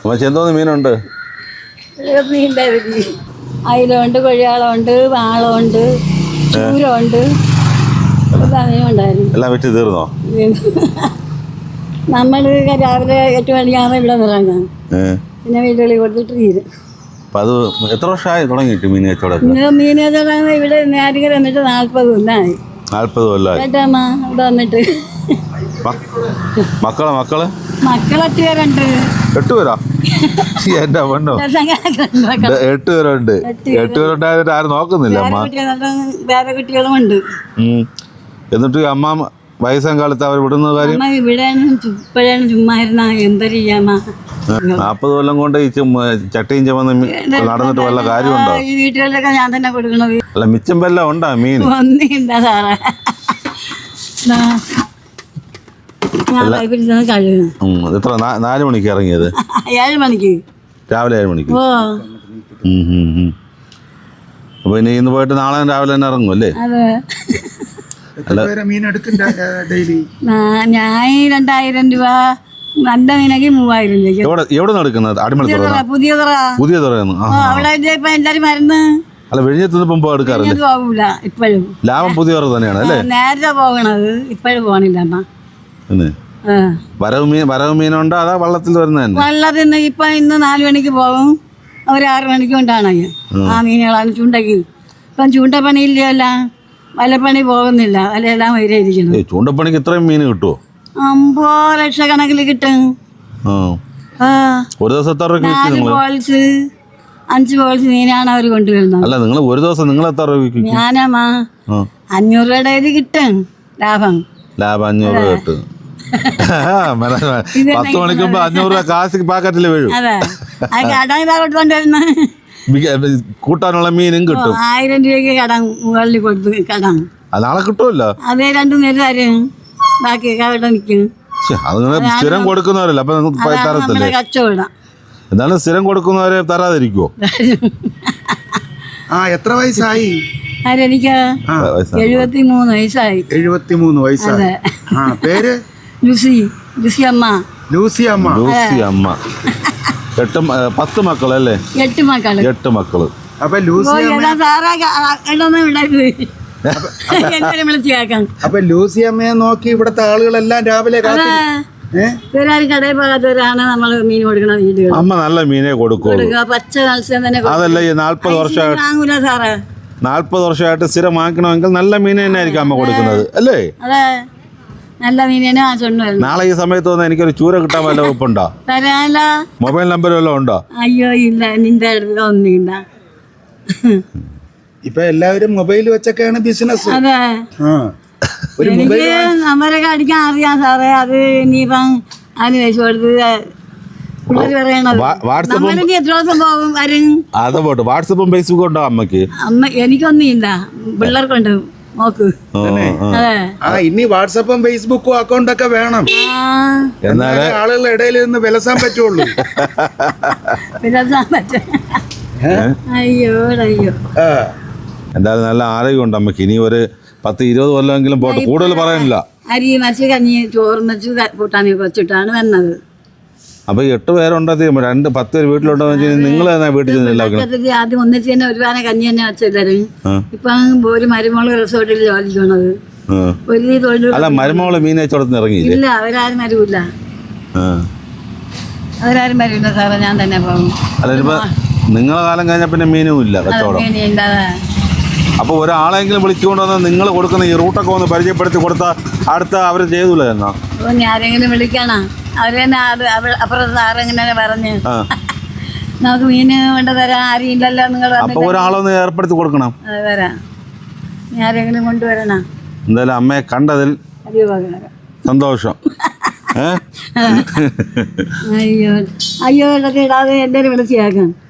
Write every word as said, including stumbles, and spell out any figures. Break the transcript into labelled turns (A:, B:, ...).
A: അമ്മച്ചി എന്തോന്ന് മീനുണ്ട്?
B: അയിലുണ്ട്, കൊഴിയാളുണ്ട്, വാളമുണ്ട്, ചൂരമുണ്ട്, എല്ലാ മീനും ഉണ്ടായിരുന്നു.
A: എല്ലാം വെച്ച് തീർന്നോ?
B: നമ്മൾ രാവിലെ എട്ട് മണിക്കാണ് ഇവിടെ ഇറങ്ങാം, പിന്നെ വീട്ടുകളിൽ കൊടുത്തിട്ട് തീരും.
A: അപ്പം അത് എത്ര വർഷമായി തുടങ്ങിയിട്ട് മീൻ കച്ചവടം?
B: മീൻ കച്ചവടം ഇവിടെ നേരിട്ട് വന്നിട്ട് നാൽപ്പത് കൊല്ലമായി.
A: നാൽപ്പത് കൊല്ലമായി
B: കേട്ടമ്മ ഇവിടെ വന്നിട്ട്.
A: മക്കളെ മക്കള്
B: മക്കൾ എട്ട് പേരുണ്ട്.
A: എട്ട് പേരാ? എന്റെ പെണ്ണോ, എട്ട് പേരുണ്ട്. എട്ട് പേരുണ്ടായിട്ട് ആരും നോക്കുന്നില്ല അമ്മ.
B: വേറെ കുട്ടികളും ഉണ്ട്.
A: എന്നിട്ട് അമ്മ വയസ്സാം കാലത്ത് അവർ വിടുന്ന കാര്യം
B: ഇവിടെയാണ് ഇപ്പോഴാണ് ചുമ്മാ ഇരുന്ന എന്താ ചെയ്യാമ്മ.
A: നാൽപ്പത് കൊല്ലം കൊണ്ട് ഈ ചട്ടിയും ചുമന്ന് നടന്നിട്ട് വല്ല കാര്യമുണ്ടോ?
B: ഈ വീട്ടുകളിലൊക്കെ ഞാൻ തന്നെ കൊടുക്കണത്.
A: അല്ല മിച്ചം വല്ല ഉണ്ടാ മീൻ?
B: ഒന്നുമില്ല സാറേ.
A: എത്ര നാല് മണിക്ക് ഇറങ്ങിയത്?
B: ഏഴ് മണിക്ക്,
A: രാവിലെ ഏഴ് മണിക്ക്.
B: ഓ
A: അപ്പൊ ഇനി ഇന്ന് പോയിട്ട് നാളെ രാവിലെ തന്നെ ഇറങ്ങും അല്ലേ?
B: അതെ. ഞാൻ രണ്ടായിരം രൂപ, നല്ല മീനൊക്കെ മൂവായിരം രൂപ.
A: എവിടെ നടക്കുന്നത്? അടിമലത്തുറ,
B: പുതിയ തുറ.
A: പുതിയ തുറയെന്ന്.
B: അവിടെ ഇപ്പൊ എല്ലാരും മരുന്ന്.
A: അല്ല വെഴിഞ്ഞെത്തുന്ന പോകുമ്പോ എടുക്കാറില്ല?
B: പോകൂല ഇപ്പോഴും.
A: ലാഭം പുതിയ തുറ തന്നെയാണ് അല്ലേ?
B: നേരത്തെ പോകണത്, ഇപ്പോഴും പോണില്ല അമ്മ.
A: വരവ് മീൻ വരവ് മീനുണ്ടോ അതാ വള്ളത്തിൽ വരുന്ന തന്നെ?
B: വള്ളത്തിൽ നിന്ന് ഇപ്പൊ ഇന്ന് നാല് മണിക്ക് പോകും, ഒരു ആറ് മണിക്ക് കൊണ്ടാണ് ആ മീനുകളാണ് ചൂണ്ടയ്ക്ക്. ഇപ്പം ചൂണ്ടപ്പണിയില്ല, വലപ്പണി പോകുന്നില്ല, വലയെല്ലാം വരെയിരിക്കണം.
A: ചൂണ്ടപ്പണിക്ക് ഇത്രയും മീൻ കിട്ടുമോ?
B: അമ്പത് ലക്ഷക്കണക്കിൽ കിട്ടും.
A: ഒരു ദിവസം
B: നാല് ബോൾസ് അഞ്ച് ബോൾസ് മീനാണ് അവർ കൊണ്ടുവരുന്നത്.
A: അല്ല നിങ്ങൾ ഒരു ദിവസം നിങ്ങൾ എത്ര രൂപ?
B: ഞാനാ അഞ്ഞൂറ് രൂപയുടെ ഇത് കിട്ടും ലാഭം.
A: ലാഭം അഞ്ഞൂറ് രൂപ കിട്ടും. പത്ത് മണിക്കുമ്പോ അഞ്ഞൂറ് രൂപ കാശ് പാക്കറ്റിൽ വീഴും.
B: അതെ, കടം ഇതാ കൊടുത്തോണ്ടിരുന്ന
A: കൂട്ടാനുള്ള മീനും കിട്ടും.
B: ആയിരം രൂപയ്ക്ക് കടം മുകളിൽ കൊടുത്ത് കടം
A: നാളെ കിട്ടുമല്ലോ.
B: അതേ രണ്ടു നേരം തരും, ബാക്കി അവിടെ നിൽക്കും.
A: അതിങ്ങനെ സ്ഥിരം കൊടുക്കുന്നവരല്ല അപ്പൊ തരത്തില്ലേ?
B: കച്ചവടം
A: എന്നാലും സ്ഥിരം കൊടുക്കുന്നവരെ തരാതിരിക്കുവോ?
C: ആ എത്ര വയസ്സായി?
B: എനിക്ക് എഴുപത്തി മൂന്ന് വയസ്സായി.
C: എഴുപത്തി മൂന്ന് വയസ്സായി. പേര്?
B: ലൂസി. ലൂസി അമ്മ.
C: ലൂസി അമ്മ.
A: ലൂസി അമ്മ. എട്ട് പത്ത് മക്കളല്ലേ?
B: എട്ട് മക്കള്.
A: എട്ട് മക്കള്.
C: അപ്പൊ ലൂസി അപ്പൊ ലൂസി അമ്മയെ നോക്കി ഇവിടത്തെ ആളുകളെല്ലാം രാവിലെ
B: ഇവരാരും കടയിൽ പോകാത്തവരാണ് നമ്മൾ മീൻ കൊടുക്കണ വീടുകൾ.
A: അമ്മ നല്ല മീനെ കൊടുക്കും.
B: പച്ച മത്സ്യം തന്നെ.
A: അതല്ല ഈ നാല്പത് വർഷമായിട്ട്
B: വാങ്ങൂല സാറേ.
A: നാല്പത് വർഷമായിട്ട് സ്ഥിരം വാങ്ങിക്കണമെങ്കിൽ നല്ല മീൻ തന്നെ ആയിരിക്കും അമ്മ കൊടുക്കുന്നത് അല്ലേ?
B: അതെ, നല്ല മീനെ വാങ്ങിച്ചോണ്ട് വരുന്നത്.
A: നാളെ ഈ സമയത്ത് വന്ന് എനിക്കൊരു ചൂര കിട്ടാൻ വല്ല ഉപ്പുണ്ടോ?
B: തരാനല്ല.
A: മൊബൈൽ നമ്പർ വല്ലതും ഉണ്ടോ?
B: അയ്യോ ഇല്ല, നിന്റെ അടുത്ത് ഒന്നുമില്ല.
C: ഇപ്പൊ എല്ലാവരും മൊബൈൽ വെച്ചൊക്കെയാണ് ബിസിനസ്.
B: അതെ, എനിക്ക് നമ്പരൊക്കെ അടിക്കാൻ അറിയാം സാറേ. അത് ഇനിയിപ്പം അതിന് വെച്ച് കൊടുത്ത് പിള്ളേർ പറയണത് എത്ര ദിവസം പോകും വരും.
A: അത് പോട്ടെ, വാട്സപ്പും ഫേസ്ബുക്കും ഉണ്ടോ അമ്മക്ക്?
B: അമ്മ എനിക്കൊന്നുമില്ല, പിള്ളേർക്കുണ്ട്. നോക്ക്.
C: ഇനി വാട്സപ്പും ഫേസ്ബുക്കും അക്കൗണ്ട് ഒക്കെ വേണം, എന്നാലേ ആളുകളുടെ ഇടയിൽ നിന്ന് വിലസാൻ പറ്റുള്ളൂ.
B: വിലസാൻ പറ്റും. അയ്യോ അയ്യോ.
A: എന്തായാലും നല്ല ആരോഗ്യമുണ്ട് അമ്മക്ക്. ഇനി ഒരു പത്ത് ഇരുപത് കൊല്ലമെങ്കിലും പോട്ടെ, കൂടുതൽ പറയാനില്ല.
B: അരി മറിച്ച് കഞ്ഞി ചോറും വെച്ച് കൂട്ടാനൊക്കെ വെച്ചിട്ടാണ് വന്നത്.
A: അപ്പൊ എട്ട് പേരുണ്ടോ? രണ്ട് പത്ത് പേര് വീട്ടിലുണ്ടോ? നിങ്ങൾ വീട്ടിൽ
B: ആദ്യം ഒന്നിച്ച് തന്നെ ഒരു പാന കഞ്ഞി തന്നെ വെച്ചെല്ലാരും. ഇപ്പൊ ഒരു മരുമോള് റിസോർട്ടിൽ ജോലിക്ക് പോണത്. ഒരു തൊഴിൽ.
A: അല്ല മരുമോള് മീൻ കച്ചവടത്തിന് ഇറങ്ങിയില്ല?
B: ഇല്ല, അവരാരും വരൂല്ല. അവരാരും വരൂല്ല സാറേ, ഞാൻ തന്നെ പോകും.
A: അല്ല ഇപ്പൊ നിങ്ങളെ കാലം കഴിഞ്ഞ പിന്നെ മീനും ഇല്ല കച്ചവടം. അപ്പൊ ഒരാളെങ്കിലും വിളിച്ചുകൊണ്ട് വന്ന് നിങ്ങൾ കൊടുക്കുന്ന ഈ റൂട്ടൊക്കെ ഒന്ന് പരിചയപ്പെടുത്തി കൊടുത്താൽ അടുത്ത അവർ ചെയ്തൂല എന്നാ?
B: ആരെങ്കിലും വിളിക്കണ അവര് തന്നെ അപ്പുറത്ത് സാറെങ്ങനെ പറഞ്ഞ് നമുക്ക് മീന് കൊണ്ട് തരാൻ ആരും ഇല്ലല്ലോ. നിങ്ങൾ
A: അപ്പൊ ഒരാളൊന്ന് ഏർപ്പെടുത്തി കൊടുക്കണം.
B: അത് വരാം, ആരെങ്കിലും കൊണ്ടുവരണം.
A: എന്തായാലും അമ്മയെ കണ്ടതിൽ സന്തോഷം.
B: അയ്യോ അയ്യോ ഇതൊക്കെ ഇടാതെ എല്ലാവരും വിളിച്ചാക്കാം.